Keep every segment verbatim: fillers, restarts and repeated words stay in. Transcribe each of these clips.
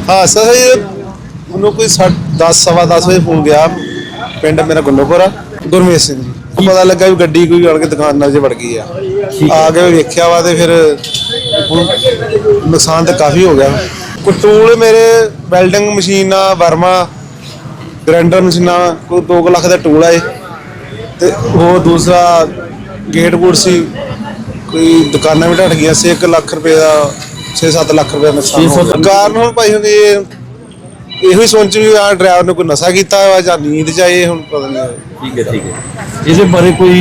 हाँ सर ये उन्होंने कोई दस सवा दस बजे फोन गया पिंड मेरा गुंडोपुरा गुरमीत सिंह जी पता लगा भी गड्डी कोई आके दुकान च वड़ गई है आके वेख्या वा तो फिर नुकसान तो काफ़ी हो गया। कोई टूल मेरे welding machine Verma grinder machine कोई दो लाख का टूल है तो वो दूसरा गेट गूट सी कोई दुकाना भी ढट गई से एक लाख रुपये का छे सत्त लाख रुपये नुकसान कारण हम भाई हम ਇਹੋ ਹੀ ਸੋਚ ਵੀ ਆ ਡਰਾਈਵਰ ਨੇ ਕੋਈ ਨਸ਼ਾ ਕੀਤਾ ਹੋਇਆ ਜਾਂ ਨੀਂਦ ਚ ਆਏ ਹੁਣ ਪਤਾ ਨਹੀਂ। ਠੀਕ ਹੈ ਠੀਕ ਹੈ ਇਹਦੇ ਬਾਰੇ ਕੋਈ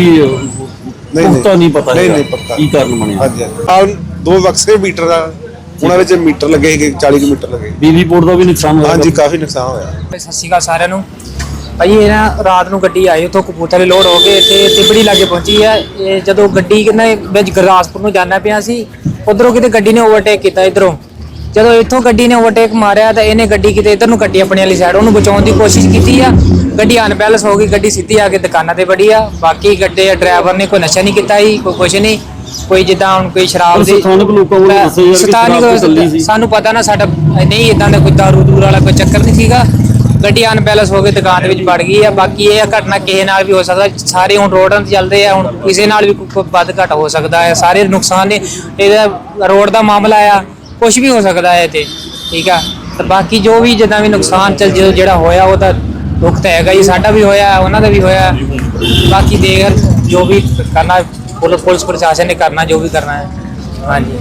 ਪੁਖਤਾ ਨਹੀਂ ਪਤਾ ਨਹੀਂ ਨਹੀਂ ਪਤਾ ਕੀ ਕਾਰਨ ਬਣਿਆ। ਹਾਂਜੀ ਆ ਦੋ ਬਕਸੇ ਮੀਟਰ ਆ ਉਹਨਾਂ ਵਿੱਚ ਮੀਟਰ ਲੱਗੇ ਸੀਗੇ ਚਾਲੀ ਮੀਟਰ ਲੱਗੇ। ਬਿਜਲੀ ਬੋਰਡ ਦਾ ਵੀ ਨੁਕਸਾਨ ਹੋਇਆ। ਹਾਂਜੀ ਕਾਫੀ ਨੁਕਸਾਨ ਹੋਇਆ। ਸਤਿ ਸ਼੍ਰੀ ਅਕਾਲ ਸਾਰਿਆਂ ਨੂੰ। ਭਾਈ ਇਹ ਨਾ ਰਾਤ ਨੂੰ ਗੱਡੀ ਆਈ ਉੱਥੋਂ ਕਪੂਰਥਲੇ ਲੋਡ ਹੋ ਕੇ ਇੱਥੇ ਤਿਬੜੀ ਲਾਗੇ ਪਹੁੰਚੀ ਹੈ। ਇਹ ਜਦੋਂ ਗੱਡੀ ਕਿੰਨਾ ਵਿੱਚ ਗੁਰਦਾਸਪੁਰ ਨੂੰ ਜਾਣਾ ਪਿਆ ਸੀ ਉਧਰੋਂ ਕਿਤੇ ਗੱਡੀ ਨੇ ਓਵਰਟੇਕ ਕੀਤਾ ਇਧਰੋਂ ਜਦੋਂ ਇੱਥੋਂ ਗੱਡੀ ਨੇ ਓਵਰਟੇਕ ਮਾਰਿਆ ਤਾਂ ਇਹਨੇ ਗੱਡੀ ਕਿਤੇ ਇਧਰ ਨੂੰ ਕੱਟੀ ਆਪਣੀ ਵਾਲੀ ਸਾਈਡ ਉਹਨੂੰ ਬਚਾਉਣ ਦੀ ਕੋਸ਼ਿਸ਼ ਕੀਤੀ ਆ। ਗੱਡੀ ਅਨਬੈਲੈਂਸ ਹੋ ਗਈ ਗੱਡੀ ਸਿੱਧੀ ਆ ਕੇ ਦੁਕਾਨਾਂ ਤੇ ਵੜੀ ਆ। ਬਾਕੀ ਗੱਡੇ ਡਰਾਈਵਰ ਨੇ ਕੋਈ ਨਸ਼ਾ ਨਹੀਂ ਕੀਤਾ ਜੀ ਕੋਈ ਕੁਛ ਨਹੀਂ ਕੋਈ ਜਿੱਦਾਂ ਹੁਣ ਕੋਈ ਸ਼ਰਾਬ ਦੀ ਸਥਾਨਕ ਲੋਕਾਂ ਵੱਲੋਂ ਦੱਸਿਆ ਯਾਰ ਕਿ ਸ਼ਰਾਬ ਚੱਲੀ ਸੀ ਸਾਨੂੰ ਪਤਾ ਨਾ ਸਾਡਾ ਨਹੀਂ ਇਦਾਂ ਦਾ ਕੋਈ ਦਾਰੂ ਦੂਰ ਵਾਲਾ ਕੋਈ ਚੱਕਰ ਨਹੀਂ ਸੀਗਾ। ਗੱਡੀ ਅਨਬੈਲੈਂਸ ਹੋ ਕੇ ਦੁਕਾਨ ਦੇ ਵਿੱਚ ਵੜ ਗਈ ਆ। ਬਾਕੀ ਇਹ ਘਟਨਾ ਕਿਸੇ ਨਾਲ ਵੀ ਹੋ ਸਕਦਾ ਸਾਰੇ ਹੁਣ ਰੋਡਾਂ ਤੇ ਚੱਲਦੇ ਆ ਹੁਣ ਕਿਸੇ ਨਾਲ ਵੀ ਕੋਈ ਵੱਧ ਘਟ ਹੋ ਸਕਦਾ ਹੈ। ਸਾਰੇ ਨੁਕਸਾਨ ਨੇ ਇਹਦਾ ਰੋਡ ਦਾ ਮਾਮਲਾ ਆ ਕੁਛ ਵੀ ਹੋ ਸਕਦਾ ਹੈ ਤੇ ਠੀਕ ਆ। ਤੇ ਬਾਕੀ ਜੋ ਵੀ ਜਿੱਦਾਂ ਵੀ ਨੁਕਸਾਨ ਚੱਲ ਜਦੋਂ ਜਿਹੜਾ ਹੋਇਆ ਉਹ ਤਾਂ ਦੁੱਖ ਤਾਂ ਹੈਗਾ ਜੀ ਸਾਡਾ ਵੀ ਹੋਇਆ ਉਹਨਾਂ ਦਾ ਵੀ ਹੋਇਆ। ਬਾਕੀ ਦੇਖ ਜੋ ਵੀ ਕਰਨਾ ਪੁਲਿਸ ਪ੍ਰਸ਼ਾਸਨ ਨੇ ਕਰਨਾ ਜੋ ਵੀ ਕਰਨਾ ਹੈ। ਹਾਂਜੀ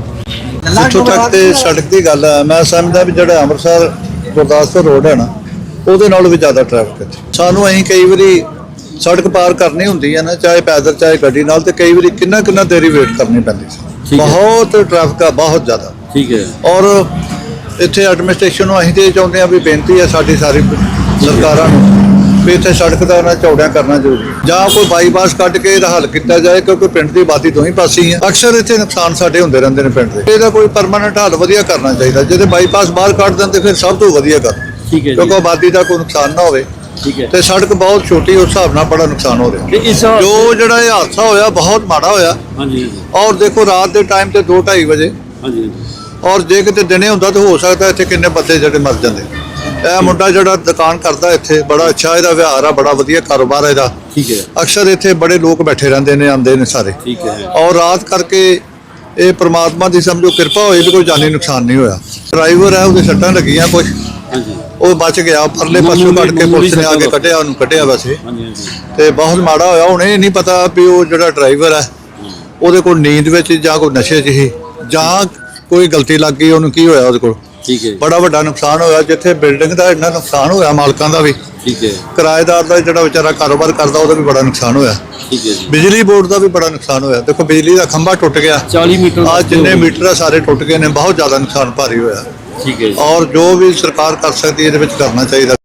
ਜਿੱਥੋਂ ਤੱਕ ਤੇ ਸੜਕ ਦੀ ਗੱਲ ਹੈ ਮੈਂ ਸਮਝਦਾ ਵੀ ਜਿਹੜਾ ਅੰਮ੍ਰਿਤਸਰ ਗੁਰਦਾਸਪੁਰ ਰੋਡ ਹੈ ਨਾ ਉਹਦੇ ਨਾਲੋਂ ਵੀ ਜ਼ਿਆਦਾ ਟ੍ਰੈਫਿਕ ਹੈ। ਸਾਨੂੰ ਅਸੀਂ ਕਈ ਵਾਰੀ ਸੜਕ ਪਾਰ ਕਰਨੀ ਹੁੰਦੀ ਹੈ ਨਾ ਚਾਹੇ ਪੈਦਲ ਚਾਹੇ ਗੱਡੀ ਨਾਲ ਤੇ ਕਈ ਵਾਰੀ ਕਿੰਨਾ ਕਿੰਨਾ ਦੇਰੀ ਵੇਟ ਕਰਨੀ ਪੈਂਦੀ ਸੀ। ਬਹੁਤ ਟ੍ਰੈਫਿਕ ਆ ਬਹੁਤ ਜ਼ਿਆਦਾ। ਠੀਕ ਹੈ ਔਰ ਇੱਥੇ ਐਡਮਿਨਿਸਟ੍ਰੇਸ਼ਨ ਨੂੰ ਅਸੀਂ ਤੇ ਚਾਹੁੰਦੇ ਹਾਂ ਵੀ ਬੇਨਤੀ ਹੈ ਸਾਡੀ ਸਾਰੀ ਸਰਕਾਰਾਂ ਨੂੰ ਵੀ ਇੱਥੇ ਸੜਕ ਦਾ ਉਹਨਾਂ ਚੌੜਿਆਂ ਕਰਨਾ ਜ਼ਰੂਰੀ ਜਾਂ ਕੋਈ ਬਾਈਪਾਸ ਕੱਢ ਕੇ ਇਹਦਾ ਹੱਲ ਕੀਤਾ ਜਾਏ ਕਿਉਂਕਿ ਪਿੰਡ ਦੀ ਆਬਾਦੀ ਤੋਂ ਹੀ ਪਾਸੀ ਹੈ। ਅਕਸਰ ਇੱਥੇ ਨੁਕਸਾਨ ਸਾਡੇ ਹੁੰਦੇ ਰਹਿੰਦੇ ਨੇ ਪਿੰਡ ਦੇ। ਇਹਦਾ ਕੋਈ ਪਰਮਾਨੈਂਟ ਹੱਲ ਵਧੀਆ ਕਰਨਾ ਚਾਹੀਦਾ। ਜਿਹਦੇ ਬਾਈਪਾਸ ਬਾਹਰ ਕੱਢ ਦਿੰਦੇ ਫਿਰ ਸਭ ਤੋਂ ਵਧੀਆ ਕਰ ਠੀਕ ਹੈ ਕਿਉਂਕਿ ਆਬਾਦੀ ਦਾ ਕੋਈ ਨੁਕਸਾਨ ਨਾ ਹੋਵੇ। ਠੀਕ ਹੈ ਤੇ ਸੜਕ ਬਹੁਤ ਛੋਟੀ ਉਸ ਹਿਸਾਬ ਨਾਲ ਬੜਾ ਨੁਕਸਾਨ ਹੋ ਰਿਹਾ। ਤੇ ਇਸ ਜੋ ਜਿਹੜਾ ਇਹ ਹਾਦਸਾ ਹੋਇਆ ਬਹੁਤ ਮਾੜਾ ਹੋਇਆ। ਹਾਂਜੀ ਔਰ ਦੇਖੋ ਰਾਤ ਦੇ ਟਾਈਮ ਤੇ ਦੋ ਢਾਈ ਵਜੇ ਹਾਂਜੀ ਔਰ ਜੇ ਕਿਤੇ ਦਿਨੇ ਹੁੰਦਾ ਤਾਂ ਹੋ ਸਕਦਾ ਇੱਥੇ ਕਿੰਨੇ ਬੰਦੇ ਜਿਹੜੇ ਮਰ ਜਾਂਦੇ। ਇਹ ਮੁੰਡਾ ਜਿਹੜਾ ਦੁਕਾਨ ਕਰਦਾ ਇੱਥੇ ਬੜਾ ਅੱਛਾ ਇਹਦਾ ਵਿਹਾਰ ਆ ਬੜਾ ਵਧੀਆ ਕਾਰੋਬਾਰ ਇਹਦਾ। ਠੀਕ ਹੈ ਅਕਸਰ ਇੱਥੇ ਬੜੇ ਲੋਕ ਬੈਠੇ ਰਹਿੰਦੇ ਨੇ ਆਉਂਦੇ ਨੇ ਸਾਰੇ। ਠੀਕ ਹੈ ਔਰ ਰਾਤ ਕਰਕੇ ਇਹ ਪ੍ਰਮਾਤਮਾ ਦੀ ਸਮਝੋ ਕਿਰਪਾ ਹੋਈ ਵੀ ਕੋਈ ਜਾਨੀ ਨੁਕਸਾਨ ਨਹੀਂ ਹੋਇਆ। ਡਰਾਈਵਰ ਹੈ ਉਹਦੇ ਸੱਟਾਂ ਲੱਗੀਆਂ ਕੁਝ ਹਾਂਜੀ ਉਹ ਬਚ ਗਿਆ ਪਰਲੇ ਪਾਸੋਂ ਕੱਢ ਕੇ ਪੁਲਿਸ ਨੇ ਆ ਕੇ ਕੱਢਿਆ ਉਹਨੂੰ ਕੱਢਿਆ ਵੈਸੇ ਹਾਂਜੀ ਹਾਂਜੀ ਤੇ ਬਹੁਤ ਮਾੜਾ ਹੋਇਆ। ਹੁਣ ਇਹ ਨਹੀਂ ਪਤਾ ਵੀ ਉਹ ਜਿਹੜਾ ਡਰਾਈਵਰ ਹੈ ਉਹਦੇ ਕੋਲ ਨੀਂਦ ਵਿੱਚ ਜਾਂ ਕੋਈ ਨਸ਼ੇ 'ਚ ਹੀ ਜਾਂ ਕੋਈ ਗਲਤੀ ਲੱਗ ਗਈ ਉਹਨੂੰ ਕੀ ਹੋਇਆ ਉਹਦੇ ਕੋਲ। ਠੀਕ ਹੈ ਬੜਾ ਵੱਡਾ ਨੁਕਸਾਨ ਹੋਇਆ ਜਿੱਥੇ ਬਿਲਡਿੰਗ ਦਾ ਇੰਨਾ ਨੁਕਸਾਨ ਹੋਇਆ ਮਾਲਕਾਂ ਦਾ ਵੀ। ਠੀਕ ਹੈ ਕਿਰਾਏਦਾਰ ਦਾ ਜਿਹੜਾ ਵਿਚਾਰਾ ਕਾਰੋਬਾਰ ਕਰਦਾ ਉਹਦਾ ਵੀ ਬੜਾ ਨੁਕਸਾਨ ਹੋਇਆ। ਠੀਕ ਹੈ ਜੀ ਬਿਜਲੀ ਬੋਰਡ ਦਾ ਵੀ ਬੜਾ ਨੁਕਸਾਨ ਹੋਇਆ। ਦੇਖੋ ਬਿਜਲੀ ਦਾ ਖੰਭਾ ਟੁੱਟ ਗਿਆ ਚਾਲੀ ਮੀਟਰ ਆ ਜਿੰਨੇ ਮੀਟਰ ਆ ਸਾਰੇ ਟੁੱਟ ਗਏ ਨੇ ਬਹੁਤ ਜ਼ਿਆਦਾ ਨੁਕਸਾਨ ਭਾਰੀ ਹੋਇਆ। ਠੀਕ ਹੈ ਜੀ ਔਰ ਜੋ ਵੀ ਸਰਕਾਰ ਕਰ ਸਕਦੀ ਇਹਦੇ ਵਿੱਚ ਕਰਨਾ ਚਾਹੀਦਾ।